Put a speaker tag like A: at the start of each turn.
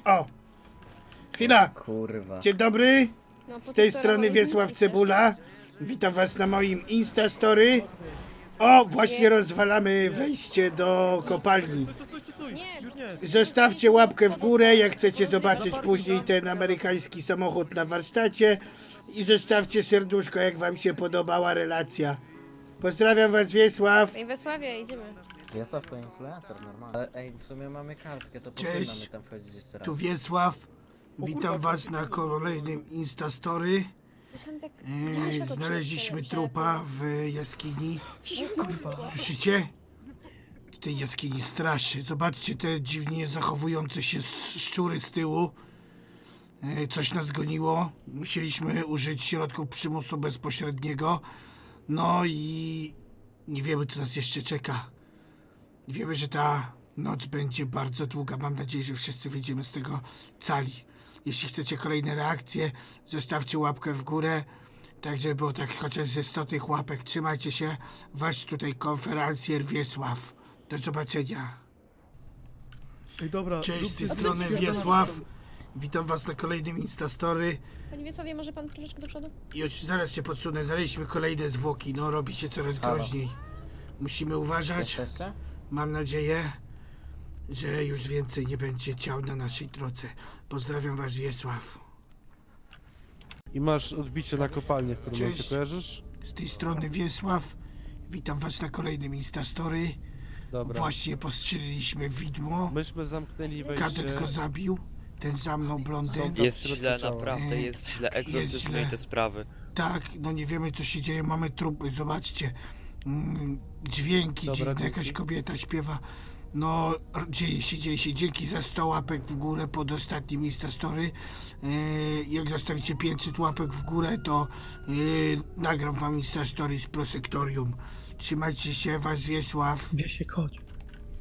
A: O! Chwila!
B: Kurwa.
A: Dzień dobry!
C: No,
A: Z tej strony Wiesław Cebula. Witam was na moim Instastory. O, właśnie rozwalamy wejście do kopalni.
C: Nie,
A: Zostawcie łapkę w górę, jak chcecie zobaczyć później ten amerykański samochód na warsztacie. I zostawcie serduszko, jak wam się podobała relacja. Pozdrawiam was, Wiesław.
C: Ej, Wiesławie, idziemy.
B: Wiesław to influencer normalnie. Ale ej, w sumie mamy kartkę, to
A: Cześć.
B: powinno tam wchodzić jeszcze raz.
A: Tu Wiesław. Witam was na kolejnym Instastory.
C: Tam tak...
A: Znaleźliśmy trupa w jaskini. Słyszycie? W tej jaskini straszy. Zobaczcie te dziwnie zachowujące się szczury z tyłu. Coś nas goniło. Musieliśmy użyć środków przymusu bezpośredniego. No i nie wiemy, co nas jeszcze czeka. Wiemy, że ta noc będzie bardzo długa. Mam nadzieję, że wszyscy wyjdziemy z tego cali. Jeśli chcecie kolejne reakcje, zostawcie łapkę w górę. Tak, żeby było tak chociaż ze 100 tych łapek. Trzymajcie się. Wasz tutaj konferencjer Wiesław. Do zobaczenia.
D: Ej, dobra,
A: Cześć, z tej
D: róbcie-
A: strony Wiesław. Witam was na kolejnym Instastory.
C: Panie Wiesławie, może pan troszeczkę do przodu?
A: Już zaraz się podsunę. Znaleźliśmy kolejne zwłoki. No, robi się coraz
B: Halo.
A: groźniej. Musimy uważać.
B: Jesteście?
A: Mam nadzieję, że już więcej nie będzie ciał na naszej drodze. Pozdrawiam was, Wiesław.
D: I masz odbicie na kopalnię w którym
A: Cześć.
D: momencie, kojarzysz?
A: Z tej strony Wiesław. Witam was na kolejnym Instastory.
D: Dobra.
A: Właśnie postrzeliliśmy widmo.
D: Myśmy zamknęli
A: Kadet go
D: wejście.
A: zabił. Ten za mną blondyn.
D: Są-
E: Jest
D: Środku
E: źle,
D: ciała.
E: naprawdę jest źle.
A: źle.
E: Egzorcyzmy i te sprawy.
A: Tak, no nie wiemy co się dzieje. Mamy trupy, zobaczcie. Dźwięki
D: Dobra,
A: dziwne,
D: dzięki.
A: jakaś kobieta śpiewa. No, dzieje się, dzieje się. Dzięki za 100 łapek w górę pod ostatnim Instastory. Jak zostawicie 500 łapek w górę, to nagram wam Instastory z Prosektorium. Trzymajcie się, was Wiesław.
F: Wiesiek, chodź.